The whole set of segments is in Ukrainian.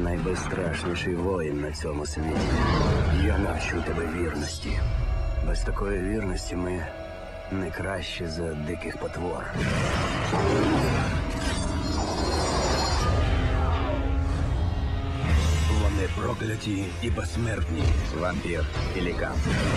найбезстрашніший воїн на цьому світі. Я навчу тебе вірності. Без такої вірності ми не краще за диких потвор. Вони прокляті і безсмертні. Вампір і лікан.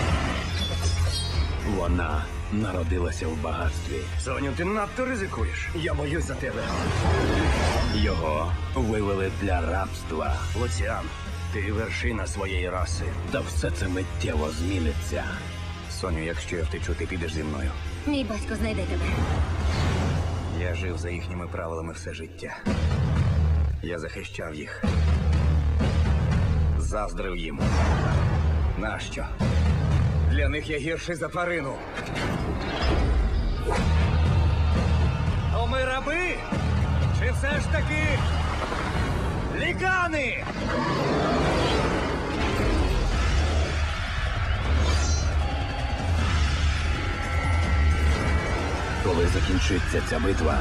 Вона народилася в багатстві. Соню, ти надто ризикуєш. Я боюсь за тебе. Його вивели для рабства. Луціан, ти вершина своєї раси. Та все це миттєво зміниться. Соню, якщо я втечу, ти підеш зі мною. Мій батько знайде тебе. Я жив за їхніми правилами все життя. Я захищав їх. Заздрив їм. Нащо? Для них я гірший за тварину. То ми раби? Чи все ж таки лікани? Коли закінчиться ця битва,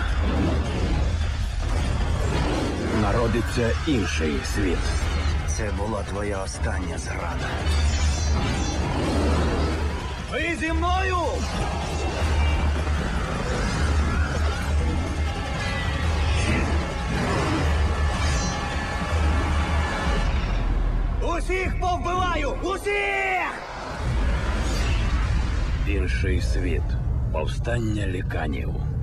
народиться інший світ. Це була твоя остання зрада. Ви зі мною! Усіх повбиваю! Усіх! Інший світ. Повстання ліканів.